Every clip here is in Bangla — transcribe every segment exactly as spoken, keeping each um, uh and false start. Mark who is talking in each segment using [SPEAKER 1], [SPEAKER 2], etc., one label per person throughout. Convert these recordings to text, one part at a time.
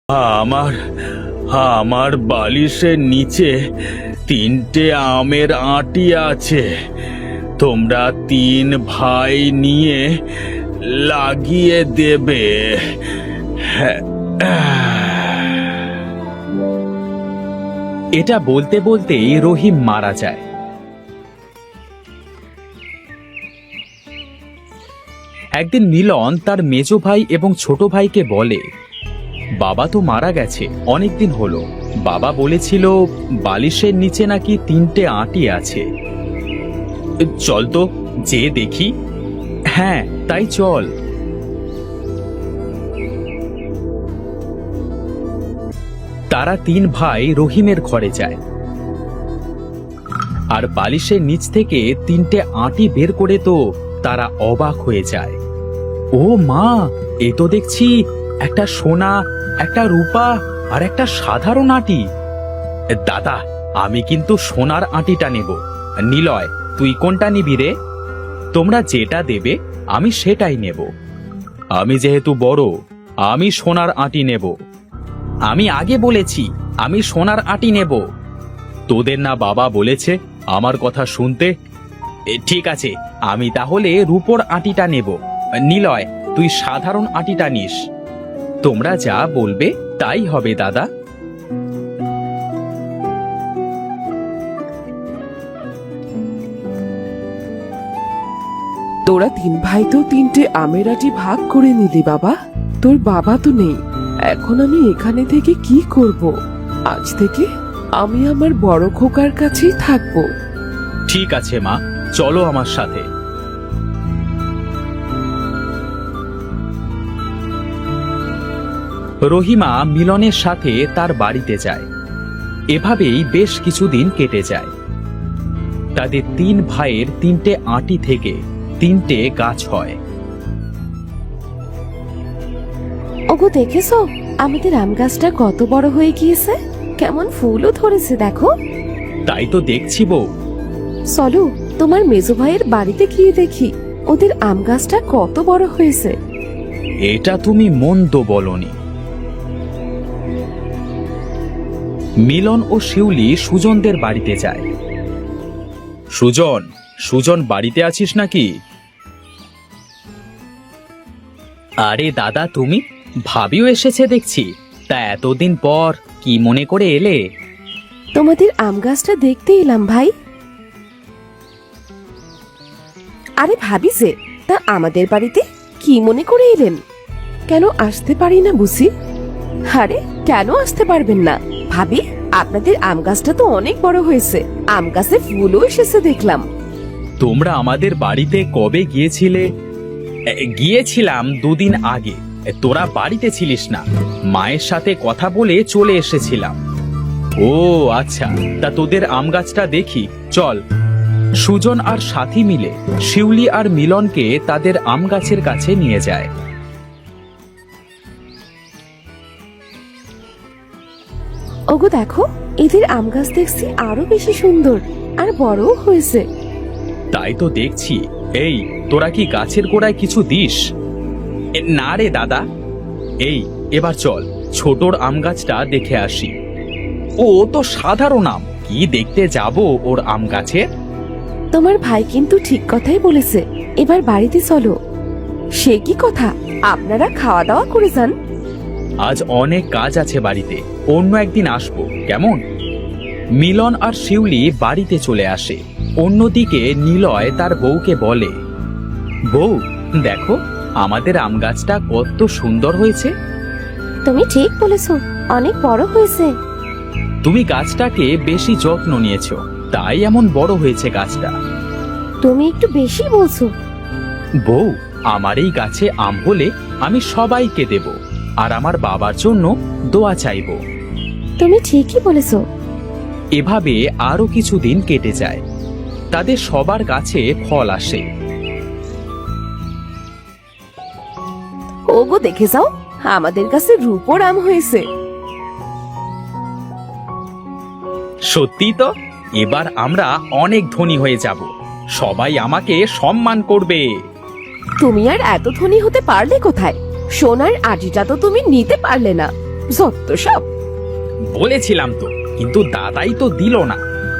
[SPEAKER 1] আমার আমার বালিশের নিচে তিনটে আমের আঁটি আছে। তোমরা তিন ভাই নিয়ে লাগিয়ে দেবে।
[SPEAKER 2] এটা বলতে বলতেই রহিম মারা যায়। একদিন মিলন তার মেজো ভাই এবং ছোট ভাইকে বলে, বাবা তো মারা গেছে অনেকদিন হলো। বাবা বলেছিল বালিশের নিচে নাকি তিনটে আঁটি আছে। চল তো যে দেখি। হ্যাঁ তাই চল। তারা তিন ভাই রহিমের ঘরে যায় আর বালিশের নিচ থেকে তিনটে আঁটি বের করে তো তারা অবাক হয়ে যায়। ও মা, এ তো দেখছি একটা সোনা, একটা রূপা আর একটা সাধারণ আঁটি। দাদা, আমি কিন্তু সোনার আঁটিটা নেব। নিলয়, তুই কোনটা নিবি রে? তোমরা যেটা দেবে আমি সেটাই নেব। আমি যেহেতু বড়, আমি সোনার আঁটি নেব। আমি আগে বলেছি আমি সোনার আঁটি নেব। তোদের না বাবা বলেছে আমার কথা শুনতে? ঠিক আছে, আমি তাহলে রূপোর আঁটিটা নেব। নিলয়, তুই সাধারণ আঁটিটা নিস। তোমরা যা বলবে তাই হবে দাদা।
[SPEAKER 3] তোরা তিন ভাই তো তিনটে আমের আঁটি ভাগ করে নিলি বাবা। তোর বাবা তো নেই, এখন আমি এখানে থেকে কি করব? আজ থেকে আমি আমার বড় খোকার কাছেই থাকবো।
[SPEAKER 2] ঠিক আছে মা, চলো আমার সাথে। রহিমা মিলনের সাথে তার বাড়িতে যায়। এভাবেই বেশ কিছুদিন কেটে যায়। তাদের তিন ভাইয়ের তিনটে আঁটি থেকে তিনটে গাছ হয়।
[SPEAKER 4] ওগো, দেখেছো আমাদের আম গাছটা কত বড় হয়ে গিয়েছে? কেমন ফুলও ধরেছে দেখো।
[SPEAKER 2] তাই তো দেখছি বউ।
[SPEAKER 4] চলো তোমার মেজো ভাইয়ের বাড়িতে গিয়ে দেখি ওদের আম গাছটা কত বড় হয়েছে।
[SPEAKER 2] এটা তুমি মন্দ বলনি। মিলন ও শিউলি সুজনদের বাড়িতে যায়। সুজন, সুজন বাড়িতে আছিস নাকি? আরে দাদা, তুমি? ভাবিও এসেছে দেখছি। তা এতদিন পর কি মনে করে এলে?
[SPEAKER 4] তোমাদের আম গাছটা দেখতে এলাম ভাই। আরে ভাবি যে, তা আমাদের বাড়িতে কি মনে করে এলেন? কেন আসতে পারি না বুঝি? আরে কেন আসতে পারবেন না ভাবি? আপনাদের আম গাছটা তো অনেক বড় হয়েছে, আম গাছে ফুলও এসেছে দেখলাম।
[SPEAKER 2] তোমরা আমাদের বাড়িতে কবে গিয়েছিলে? এ, গিয়েছিলাম দুদিন আগে। এ, তোরা বাড়িতে ছিলিস না, মায়ের সাথে কথা বলে চলে এসেছিলাম। ও আচ্ছা, তা তোদের আম গাছটা দেখি চল। সুজন আর সাথী মিলে শিউলি আর মিলনকে তাদের আম গাছের কাছে নিয়ে যায়।
[SPEAKER 4] ওগো দেখো, এদের আম গাছ দেখছি আরো বেশি সুন্দর আর বড়ও হয়েছে।
[SPEAKER 2] তাই তো দেখছি। এই, তোরা কি গাছের গোড়ায় কিছু দিস? এ, না রে দাদা। এই, এবার চল ছোটর আম গাছটা দেখে আসি। ও তো সাধারণ আম, কি দেখতে যাব ওর আম গাছে?
[SPEAKER 4] তোমার ভাই কিন্তু ঠিক কথাই বলেছে, এবার বাড়িতে চলো। সে কি কথা, আপনারা খাওয়া দাওয়া করে যান।
[SPEAKER 2] আজ অনেক কাজ আছে বাড়িতে, অন্য একদিন আসবো কেমন? মিলন আর শিউলি বাড়িতে চলে আসে। অন্যদিকে নিলয় তার বউকে বলে, বউ দেখো আমাদের আম গাছটা কত সুন্দর হয়েছে।
[SPEAKER 4] তুমি ঠিক বলেছো, অনেক বড় হয়েছে।
[SPEAKER 2] তুমি গাছটাকে বেশি যত্ন নিয়েছো, তাই এমন বড় হয়েছে গাছটা।
[SPEAKER 4] তুমি একটু বেশি বলছো।
[SPEAKER 2] বউ, আমার এই গাছে আম হলে আমি সবাইকে দেব, আর আমার বাবার জন্য দোয়া চাইব।
[SPEAKER 4] তুমি ঠিকই বলেছো।
[SPEAKER 2] এভাবে আরো কিছুদিন কেটে যায়। তাদের সবার কাছে ফল আসে।
[SPEAKER 4] ওগো দেখে যাও, আমাদের কাছে রূপোর আম হয়েছে।
[SPEAKER 2] সত্যি তো, এবার আমরা অনেক ধনী হয়ে যাব, সবাই আমাকে সম্মান করবে।
[SPEAKER 4] তুমি আর এত ধনী হতে পারলে কোথায়? সোনার আটিটা তো তুমি নিতে পারলে না।
[SPEAKER 3] যত সব।
[SPEAKER 2] বলেছিলাম তো, কিন্তু দাদাই তো দিল না।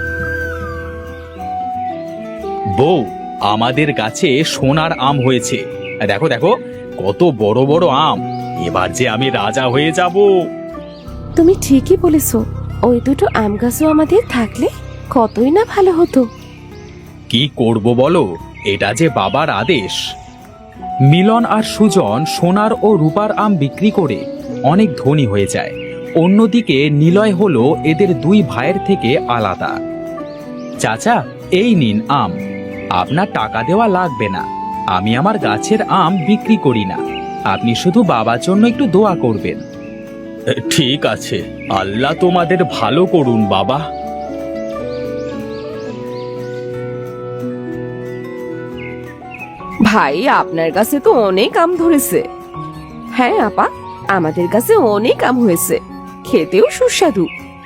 [SPEAKER 2] বউ, আমাদের গাছে সোনার আম হয়েছে। দেখো দেখো, কত বড় বড় আম। এবার যে আমি রাজা হয়ে যাব।
[SPEAKER 4] তুমি ঠিকই বলেছো, ওই দুটো আম গাছও আমাদের থাকলে কতই না ভালো হতো।
[SPEAKER 2] কি করব বলো, এটা যে বাবার আদেশ। মিলন আর সুজন সোনার ও রূপার আম বিক্রি করে অনেক ধনী হয়ে যায়। অন্যদিকে নিলয় হলো এদের দুই ভাইয়ের থেকে আলাদা। চাচা, এই নিন আম। আপনার টাকা দেওয়া লাগবে না, আমি আমার গাছের আম বিক্রি করি না। আপনি শুধু বাবার জন্য একটু দোয়া করবেন।
[SPEAKER 1] ঠিক আছে, আল্লাহ তোমাদের ভালো করুন বাবা।
[SPEAKER 3] ভাই, আপনার কাছে তো অনেক আম ধরেছে। হ্যাঁ আপা, আমাদের কাছে অনেক আম হয়েছে, খেতেও সুস্বাদু।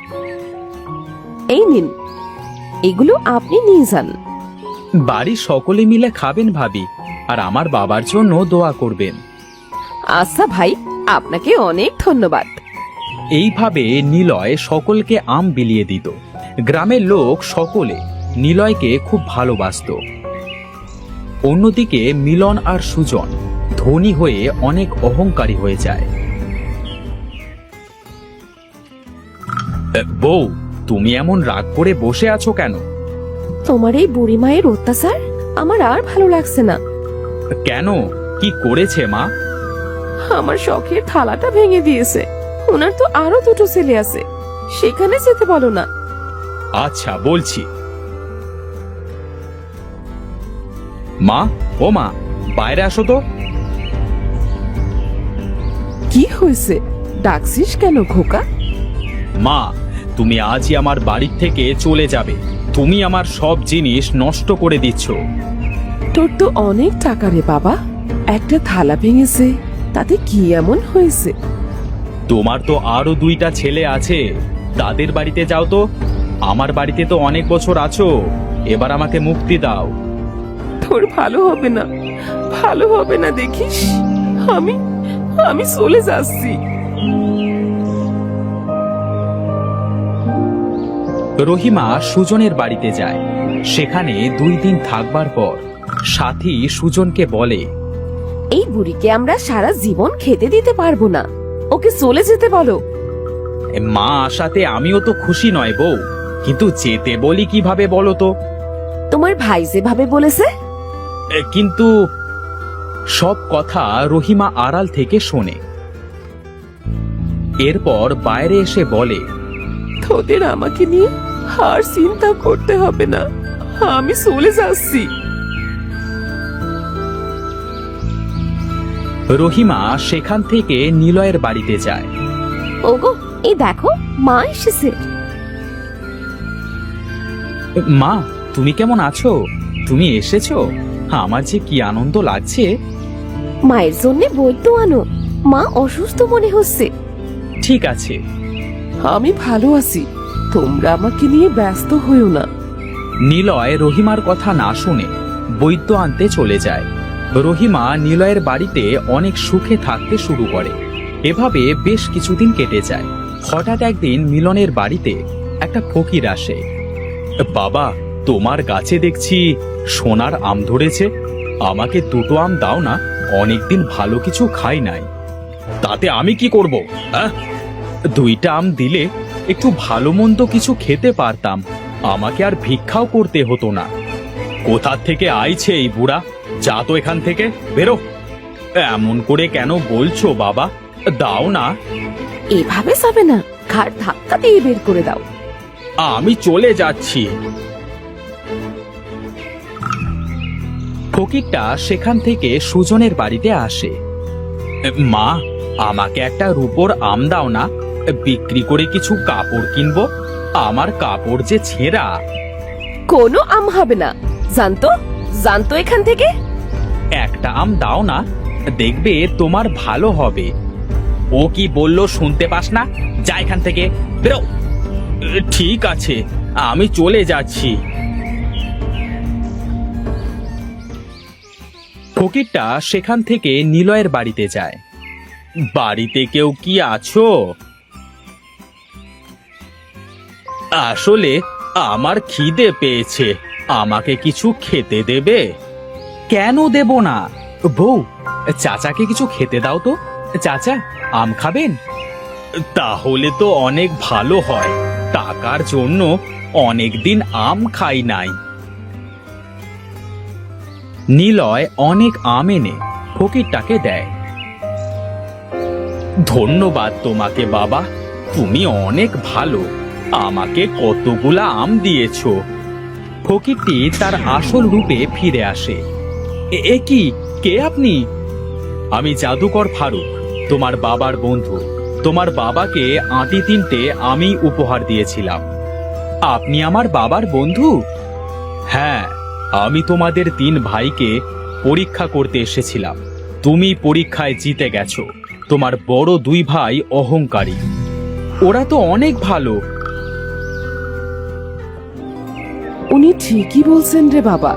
[SPEAKER 3] এই নিন, এগুলো আপনি নিয়ে যান।
[SPEAKER 2] বাড়ির সকলে মিলে খাবেন ভাবি, আর আমার বাবার জন্য দোয়া করবেন।
[SPEAKER 3] আচ্ছা ভাই, আপনাকে অনেক ধন্যবাদ।
[SPEAKER 2] এইভাবে নিলয় সকলকে আম বিলিয়ে দিত। গ্রামের লোক সকলে নিলয়কে খুব ভালোবাসতো। অন্যদিকে মিলন আর সুজন ধনী হয়ে অনেক অহংকারী হয়ে যায়। এ, বউ, তুমি এমন রাগ করে বসে আছো কেন?
[SPEAKER 4] তোমার এই বুড়ি মায়ের অত্যাচার আমার আর ভালো লাগছে না।
[SPEAKER 2] কেন, কি করেছে মা?
[SPEAKER 3] আমার শখের থালাটা ভেঙে দিয়েছে। ওনার তো আরো দুটো ছেলে আছে, সেখানে যেতে বলো না।
[SPEAKER 2] আচ্ছা, বলছি। মা, ও মা, বাইরে আসো তো।
[SPEAKER 3] কি হয়েছে, ডাকছিস কেন খোকা?
[SPEAKER 2] মা, তুমি আজই আমার বাড়ির থেকে চলে যাবে। তুমি আমার সব জিনিস নষ্ট করে দিচ্ছ।
[SPEAKER 3] তোর তো অনেক টাকা রে বাবা, একটা থালা ভেঙেছে, তাতে কি এমন হয়েছে?
[SPEAKER 2] তোমার তো আরো দুইটা ছেলে আছে, তাদের বাড়িতে যাও তো। আমার বাড়িতে তো অনেক বছর আছো, এবার আমাকে মুক্তি দাও।
[SPEAKER 3] তোর ভালো হবে না, ভালো হবে না দেখিস। আমি আমি চলে যাচ্ছি।
[SPEAKER 2] রহিমা সুজনের বাড়িতে যায়। সেখানে দুই দিন থাকবার পর সাথী সুজনকে বলে,
[SPEAKER 4] এই বুড়িকে আমরা সারা জীবন খেতে দিতে পারবো না, ওকে চলে যেতে বলো।
[SPEAKER 2] মা আসাতে আমিও তো খুশি নয় বউ, কিন্তু যেতে বলি কিভাবে বলো তো?
[SPEAKER 4] তোমার ভাই যেভাবে বলেছে।
[SPEAKER 2] এ, কিন্তু সব কথা রহিমা আড়াল থেকে শোনে। এরপর বাইরে এসে বলে,
[SPEAKER 3] তোদের আমাকে নিয়ে আর চিন্তা করতে হবে না, আমি চলে যাচ্ছি।
[SPEAKER 2] রহিমা সেখান থেকে নিলয়ের বাড়িতে যায়।
[SPEAKER 4] ওগো, এই দেখো মা এসেছে।
[SPEAKER 2] মা, তুমি কেমন আছো? তুমি এসেছো? আমার যে কি আনন্দ লাগছে।
[SPEAKER 4] মায়ের জন্য বৈদ্য আনো, মা অসুস্থ মনে হচ্ছে।
[SPEAKER 2] ঠিক আছে।
[SPEAKER 3] আমি ভালো আছি, তোমরা আমাকে নিয়ে ব্যস্ত হইও না।
[SPEAKER 2] নিলয় রহিমার কথা না শুনে বৈদ্য আনতে চলে যায়। রহিমা নিলয়ের বাড়িতে অনেক সুখে থাকতে শুরু করে। এভাবে বেশ কিছুদিন কেটে যায়। হঠাৎ একদিন মিলনের বাড়িতে একটা ফকির আসে। বাবা, তোমার গাছে দেখছি সোনার আম ধরেছে, আমাকে দুটো আম দাও না, অনেকদিন ভালো কিছু খাই নাই। তাতে আমি কি করব? আহ? দুইটা আম দিলে একটু ভালো মন্দ কিছু খেতে পারতাম, আমাকে আর ভিক্ষাও করতে হতো না। কোথা থেকে আইছে এই বুড়া? যা তো এখান থেকে, বেরো। এমন করে কেন বলছো বাবা? দাও না।
[SPEAKER 4] এভাবে যাবে না, ঘাড় ধাক্কা দিয়ে বের করে দাও।
[SPEAKER 2] আমি চলে যাচ্ছি। ফকিরটা সেখান থেকে সুজনের বাড়িতে আসে। মা, আমাকে একটা রূপোর আম দাও না, বিক্রি করে কিছু কাপড় কিনবো। আমার কাপড় যে ছেঁড়া।
[SPEAKER 3] কোনো আম হবে না, জানতো জানতো এখান থেকে।
[SPEAKER 2] একটা আম দাও না, দেখবে তোমার ভালো হবে। ও কি বললো শুনতে পাস না? যা এখান থেকে, বেরো। ঠিক আছে, আমি চলে যাচ্ছি। ফকিরটা সেখান থেকে নিলয়ের বাড়িতে যায়। বাড়িতে কেউ কি আছো?
[SPEAKER 1] আসলে আমার খিদে পেয়েছে, আমাকে কিছু খেতে দেবে?
[SPEAKER 2] কেন দেব না? বউ, চাচাকে কিছু খেতে দাও তো। চাচা, আম খাবেন?
[SPEAKER 1] তাহলে তো অনেক ভালো হয়, টাকার জন্য অনেকদিন আম খাই নাই।
[SPEAKER 2] নিলয় অনেক আম এনে ফকিরটাকে দেয়।
[SPEAKER 1] ধন্যবাদ তোমাকে বাবা, তুমি অনেক ভালো, আমাকে কতগুলা আম দিয়েছো।
[SPEAKER 2] ফকিরটি তার আসল রূপে ফিরে আসে। এ- এ কি, কে আপনি? আমি জাদুকর ফারুক, তোমার বাবার বন্ধু। তোমার বাবাকে আঁটি তিনটে আমি উপহার দিয়েছিলাম। আপনি আমার বাবার বন্ধু? হ্যাঁ, আমি তোমাদের তিন ভাইকে পরীক্ষা করতে এসেছিলাম। তুমি পরীক্ষায় জিতে গেছো। তোমার বড় দুই ভাই অহংকারী। ওরা তো অনেক ভালো।
[SPEAKER 3] উনি ঠিকই বলছেন রে বাবা।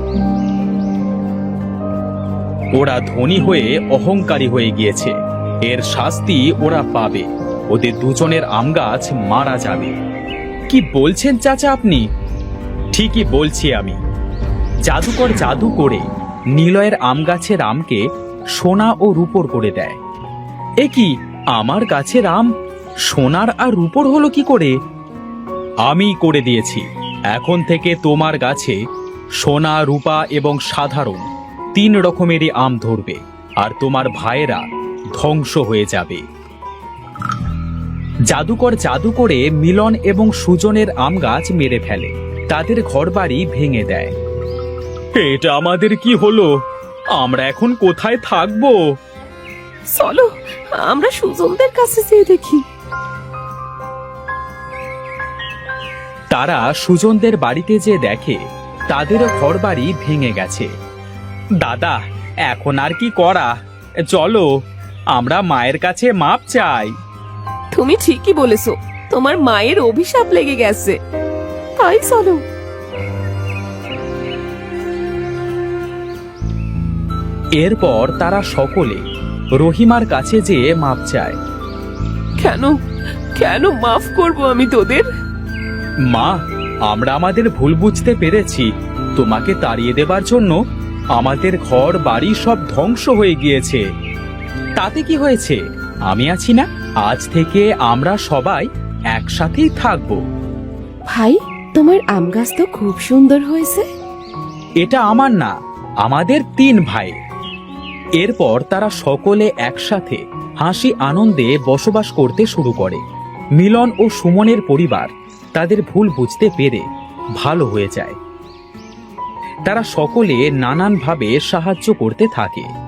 [SPEAKER 2] ওরা ধনী হয়ে অহংকারী হয়ে গিয়েছে। এর শাস্তি ওরা পাবে। ওদের দুজনের আম গাছ মারা যাবে। কি বলছেন চাচা আপনি? ঠিকই বলছি আমি। জাদুকর জাদু করে নিলয়ের আম গাছের আমকে সোনা ও রূপোর করে দেয়। এ কি, আমার গাছের আম সোনার আর রূপোর হলো কি করে? আমি করে দিয়েছি। এখন থেকে তোমার গাছে সোনা, রূপা এবং সাধারণ তিন রকমেরই আম ধরবে, আর তোমার ভাইয়েরা ধ্বংস হয়ে যাবে। জাদুকর জাদু করে মিলন এবং সুজনের আম গাছ মেরে ফেলে। তাদের ঘরবাড়ি ভেঙে দেয়।
[SPEAKER 1] এটা আমাদের কি হলো? আমরা এখন কোথায় থাকবো?
[SPEAKER 3] চলো আমরা সুজনদের কাছে যেয়ে দেখি।
[SPEAKER 2] তারা সুজনদের বাড়িতে যে দেখে তাদেরও ঘরবাড়ি ভেঙে গেছে।
[SPEAKER 1] দাদা, এখন আর কি করা? চলো, আমরা মায়ের কাছে মাপ চাই।
[SPEAKER 3] তুমি ঠিকই বলেছো, তোমার মায়ের অভিশাপ লেগে গেছে। তাই চলো।
[SPEAKER 2] এরপর তারা সকলে রহিমার কাছে যেয়ে মাপ চায়।
[SPEAKER 3] কেন কেন মাফ করব আমি তোদের?
[SPEAKER 2] মা, আমরা আমাদের ভুল বুঝতে পেরেছি। তোমাকে তাড়িয়ে দেবার জন্য আমাদের ঘর বাড়ি সব ধ্বংস হয়ে গিয়েছে। তাতে কি হয়েছে? আমি আছি না? আজ থেকে আমরা সবাই একসাথেই থাকবো।
[SPEAKER 4] ভাই, তোমার আম গাছ তো খুব সুন্দর হয়েছে।
[SPEAKER 2] এটা আমার না, আমাদের তিন ভাই। এরপর তারা সকলে একসাথে হাসি আনন্দে বসবাস করতে শুরু করে। মিলন ও সুমনের পরিবার তাদের ভুল বুঝতে পেরে ভালো হয়ে যায়। তারা সকলে নানানভাবে সাহায্য করতে থাকে।